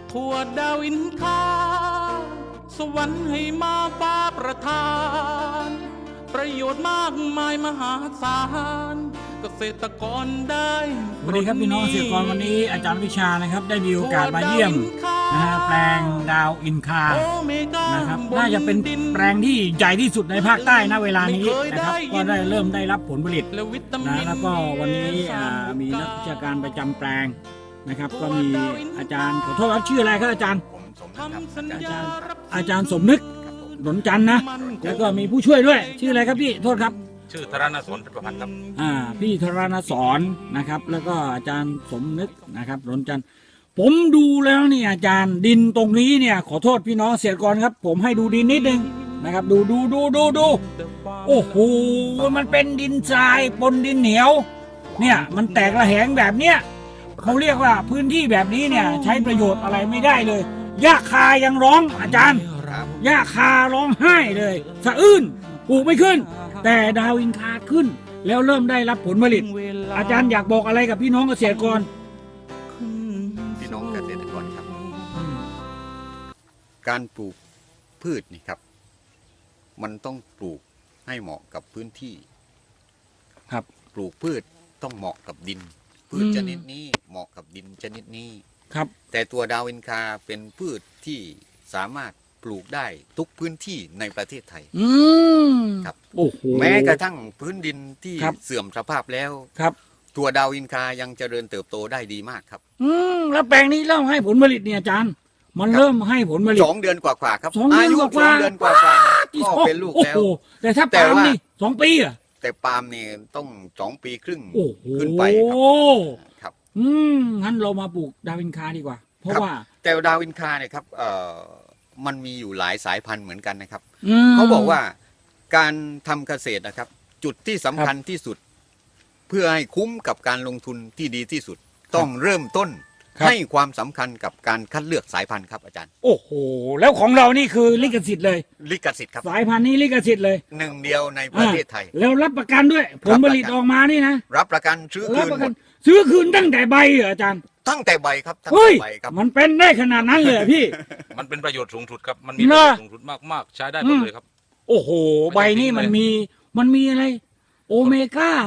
ทั่วดาวินคาสวรรค์ให้มาฟ้าประทานประโยชน์มากมายมหาศาลเกษตรกรได้สวัสดีครับพี่น้องเกษตรกรวันนี้อาจารย์วิชานะครับได้มีโอกาสมาเยี่ยมนะฮะแปลงดาวอินคานะครับน่าจะเป็นแปลงที่ใหญ่ที่สุดในภาคใต้ณเวลานี้นะครับก็ได้เริ่มได้รับผลผลิตนะแล้วก็วันนี้มีนักวิชาการประจำแปลงนะครับก็มีอาจารย์ขอโทษครับชื่ออะไรครับอาจารย์อาจารย์สมนึกหนนจันทร์นะแล้วก็มีผู้ช่วยด้วยชื่ออะไรครับพี่โทษครับชื่อธารณสรเป็นประพันธ์ครับพี่ธารณสรนะครับแล้วก็อาจารย์สมนึกนะครับหนนจันทร์ผมดูแล้วนี่อาจารย์ดินตรงนี้เนี่ยขอโทษพี่น้องเกษตรกรครับผมให้ดูดินนิดนึงนะครับดูโอ้โหมันเป็นดินทรายปนดินเหนียวเนี่ยมันแตกระแหงแบบเนี้ยเขาเรียกว่าพื้นที่แบบนี้เนี่ยใช้ประโยชน์อะไรไม่ได้เลยหญ้าคายังร้องอาจารย์หญ้าคาร้องไห้เลยสะอื้นปลูกไม่ขึ้นแต่ดาวอินคาขึ้นแล้วเริ่มได้รับผลผลิตอาจารย์อยากบอกอะไรกับพี่น้องเกษตรกรพี่น้องเกษตรกรครับการปลูกพืชนี่ครับมันต้องปลูกให้เหมาะกับพื้นที่ครับปลูกพืชต้องเหมาะกับดินพืชชนิดนี้เหมาะกับดินชนิดนี้ครับแต่ตัวดาวอินคาเป็นพืชที่สามารถปลูกได้ทุกพื้นที่ในประเทศไทยครับโอ้โหแม้กระทั่งพื้นดินที่เสื่อมสภาพแล้วครับตัวดาวอินคายังเจริญเติบโตได้ดีมากครับแล้วแปลงนี้เริ่มให้ผลผลิตเนี่ยอาจารย์มันเริ่มให้ผลผลิต 2 เดือนกว่าๆครับอายุ2 เดือนกว่าก็เป็นลูกแล้วแต่ถ้าปาล์มนี่2 ปีอะแต่ปาล์มนี่ต้อง2 ปีครึ่งขึ้นไปครับงั้นเรามาปลูกดาวอินคาดีกว่าเพราะว่าแต่ดาวอินคาเนี่ยครับมันมีอยู่หลายสายพันธุ์เหมือนกันนะครับเขาบอกว่าการทำเกษตรนะครับจุดที่สำคัญที่สุดเพื่อให้คุ้มกับการลงทุนที่ดีที่สุดต้องเริ่มต้นให้ความสำคัญกับการคัดเลือกสายพันธุ์ครับอาจารย์โอ้โหแล้วของเรานี่คือลิขสิทธิ์เลยลิขสิทธิ์ครับสายพันธุ์นี้ลิขสิทธิ์เลย 1 เดียวในประเทศไทยแล้วรับประกันด้วยผลผลิตออกมานี่นะรับประกันซื้อคืนตั้งแต่ใบเหรออาจารย์ตั้งแต่ใบครับตั้งแต่ใบครับมันเป็นได้ขนาดนั้นเลยพี่มันเป็นประโยชน์สูงสุดครับมันมีประโยชน์สูงสุดมากๆใช้ได้หมดเลยครับโอ้โหใบนี่มันมีอะไรโอเมก้า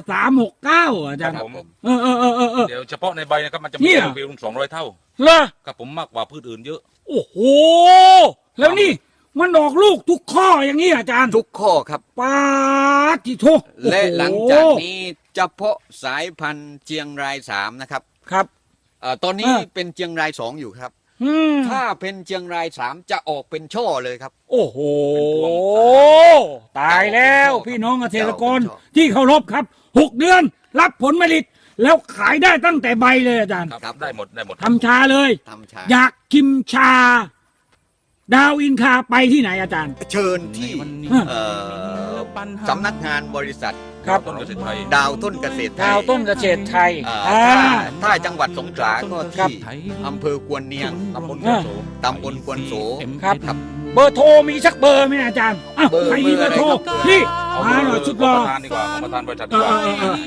369อาจารย์เดี๋ยวเฉพาะในใบนะครับมันจะมีโอเมก้า200 เท่าเหรอครับผมมากกว่าพืชอื่นเยอะโอ้โหแล้วนี่มันออกลูกทุกข้ออย่างนี้อาจารย์ทุกข้อครับปาจิโทและหลังจากนี้เฉพาะสายพันธุ์เชียงราย3นะครับครับตอนนี้เป็นเชียงราย2อยู่ครับถ้าเป็นเชียงราย3จะออกเป็นช่อเลยครับโอ้โหตายแล้วพี่น้องเกษตรกรที่เคารพครับ6 เดือนรับผลผลิตแล้วขายได้ตั้งแต่ใบเลยอาจารย์ครับได้หมดทำชาเลยอยากชิมชาดาวอินคาไปที่ไหนอาจารย์เชิญที่สำนักงานบริษัทต้นเกษตรไทยดาวต้นเกษตรไทยดาวต้นเกษตรไทยถ้าจังหวัดสงขลาก็ที่อำเภอกวนเนียงตำบลกวนโสครับเบอร์โทรมีสักเบอร์ไหมอาจารย์ใครมีเบอร์โทรนี่มาหน่อยชุดรอดีกว่าประธานบริษัทดีกว่า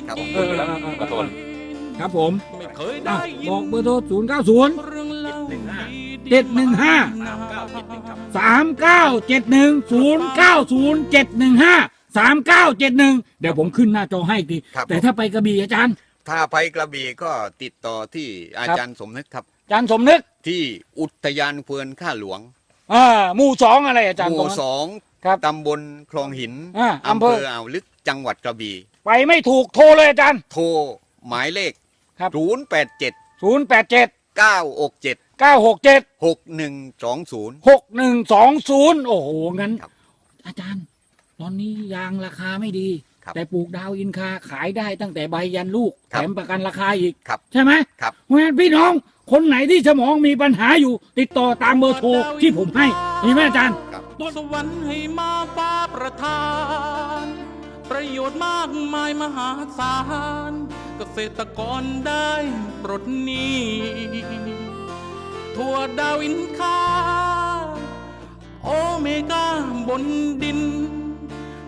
ครับผมบอกเบอร์โทร090 715 3971 3971 เดี๋ยวผมขึ้นหน้าจอให้ทีแต่ถ้าไปกระบี่อาจารย์ถ้าไปกระบี่ก็ติดต่อที่อาจารย์สมนึกครับอาจารย์สมนึกที่อุทยานเพลินข้าหลวงหมู่2อะไรอาจารย์หมู่2ตำบลคลองหินอำเภออ่าวลึกจังหวัดกระบี่ไปไม่ถูกโทรเลยอาจารย์โทรหมายเลข 087 967 6120 โอ้โหงั้นอาจารย์ตอนนี้ยางราคาไม่ดีแต่ปลูกดาวอินคาขายได้ตั้งแต่ใบยันลูกแถมประกันราคาอีกใช่ไหมเพราะฉะนั้นพี่น้องคนไหนที่สมองมีปัญหาอยู่ติดต่อตามเบอร์โทรที่ผมให้เห็นไหมอาจารย์สวรรค์ให้มาฟ้าประทานประโยชน์มากมายมหาศาลเกษตรกรได้ปลดหนี้ทั่วดาวอินคาโอเมก้าบนดินพืช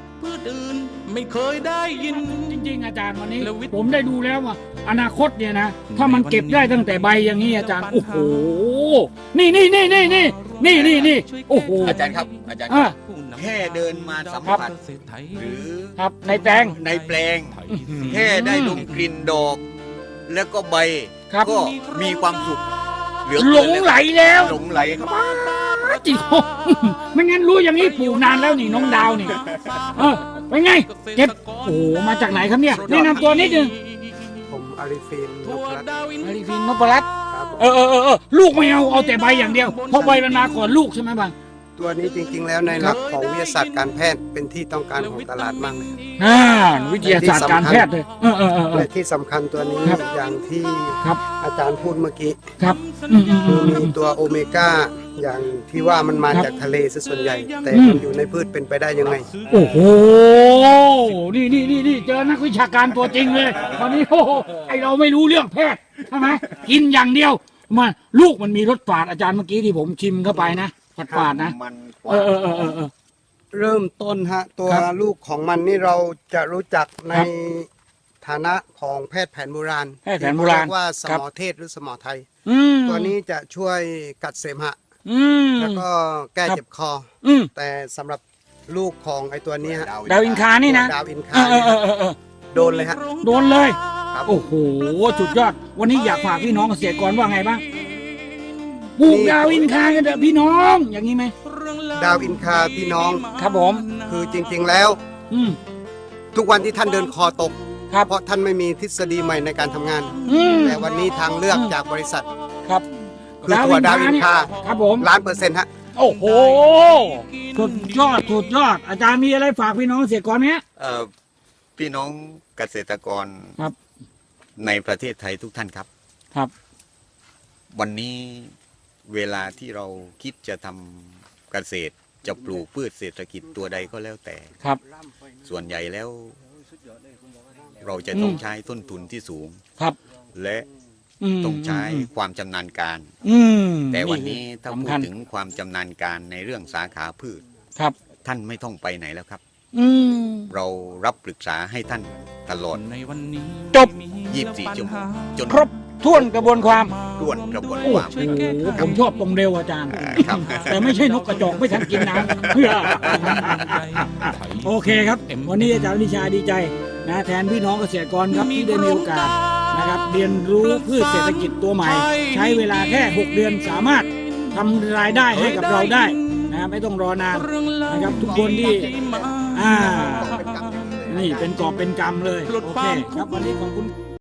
อื่นไม่เคยได้ยินจริงๆอาจารย์วันนี้แล้ววิทย์ผมได้ดูแล้วว่าอนาคตเนี่ยนะถ้ามันเก็บได้ตั้งแต่ใบอย่างนี้อาจารย์โอ้โหนี่โอ้โหอาจารย์ครับอาจารย์อ่ะแค่เดินมาสัมผัสหรือครับในแปลงในแปลง แค่ได้ดมกลิ่นดอก แล้วก็ใบครับก็มีความสุขเหลือหลเกินงไหลแล้วหลงไหลครับจริงไม่งั้นรู้อย่างนี้ปลูกนานแล้วนี่น้องดาวนี่เป็นไงเก็บโอ้โหมาจากไหนครับเนี่ยแนะนำตัวนิดนึงผมอาริฟินนพรัตน์อาริฟินนพรัตน์ครับผมลูกไม่เอาแต่ใบอย่างเดียวเพราะใบมันมาก่อนลูกใช่ไหมบางตัวนี้จริงๆ แล้วในหลักของวิทยาศาสตร์การแพทย์เป็นที่ต้องการของตลาดมากเลยวิทยาศาสตร์การแพทย์เลยและที่สำคัญตัวนี้ครับอย่างที่ครับอาจารย์พูดเมื่อกี้ครับคือมีตัวโอเมก้าอย่างที่ว่ามันมาครับจากทะเลซะส่วนใหญ่ แต่อืมมันอยู่ในพืชเป็นไปได้ยังไงโอ้โหนี่เจอนักวิชาการตัวจริงเลยตอนนี้โอ้โหไอเราไม่รู้เรื่องแพทย์ใช่ไหมกินอย่างเดียวมาลูกมันมีรสฝาดอาจารย์เมื่อกี้ที่ผมชิมเข้าไปนะฝาดๆนะมันกเอว่าอเริ่มต้นฮะตัวครับลูกของมันนี่เราจะรู้จักในครับฐานะของแพทย์แผนโบราณแพทย์แผนโบราณที่เรียกว่าสครับมอเทศหรือสมอไทยมตัวนี้จะช่วยกัดเสมหะมแล้วก็แก้ครับเจ็บคออืมแต่สำหรับลูกของไอตัวเนี้ยฮะดาวอินคานี่นะดาวอินเอคาอเนี่ยฮะเออโดนเลยฮะโดนเลยครับโอ้โหสุดยอด วันนี้อยากฝากพี่น้องเกษตรกรว่าไงบ้างปลูกดาวอินคากันเถอะพี่น้อง อย่างนี้ไหมดาวอินคาพี่น้องครับผมคือจริงๆแล้วอืมทุกวันที่ท่านเดินคอตกครับเพราะท่านไม่มีทฤษฎีใหม่ในการทำงานอืมแต่วันนี้ทางเลือกจากบริษัทครับคือตัวดาวอินคาครับผม 1,000,000%ฮะโอ้โหสุดยอด อาจารย์มีอะไรฝากพี่น้องเกษตรกรไหมฮะพี่น้องเกษตรกรครับในประเทศไทยทุกท่านครับครับวันนี้เวลาที่เราคิดจะทำเกษตรจะปลูกพืชเศรษฐกิจตัวใดก็แล้วแต่ครับส่วนใหญ่แล้ว เราจะต้องใช้ต้นทุนที่สูงครับและมต้องใช้ความชำนาญการอืมแต่วันนี้ถ้าพูสำคัดญถึงความชำนาญการในเรื่องสาขาพืชครับท่านไม่ต้องไปไหนแล้วครับอืมเรารับปรึกษาให้ท่านตลอดในวันนี้จบ 24 ชั่วโมงจนครบถ้วนกระบวนความร่วนกระบวนโอ้ความโหผมชอบตรงเร็วอาจารย์ครับแต่ไม่ใช่นกกระจอกไม่ทันกินน้ำเพื่อ โอเคครับ วันนี้อาจารย์วิชาดีใจนะแทนพี่น้องเกษตรกรครับที่ได้มีโอกาสนะครับเรียนรู้พืชเศรษฐกิจตัวใหม่ ใช้เวลาแค่ 6 เดือนสามารถทำรายได้ให้กับเราได้นะไม่ต้องรอนานนะครับทุกคนที่นี่เป็นกอบเป็นกำเลยโอเคครับวันนี้ขอบคุณ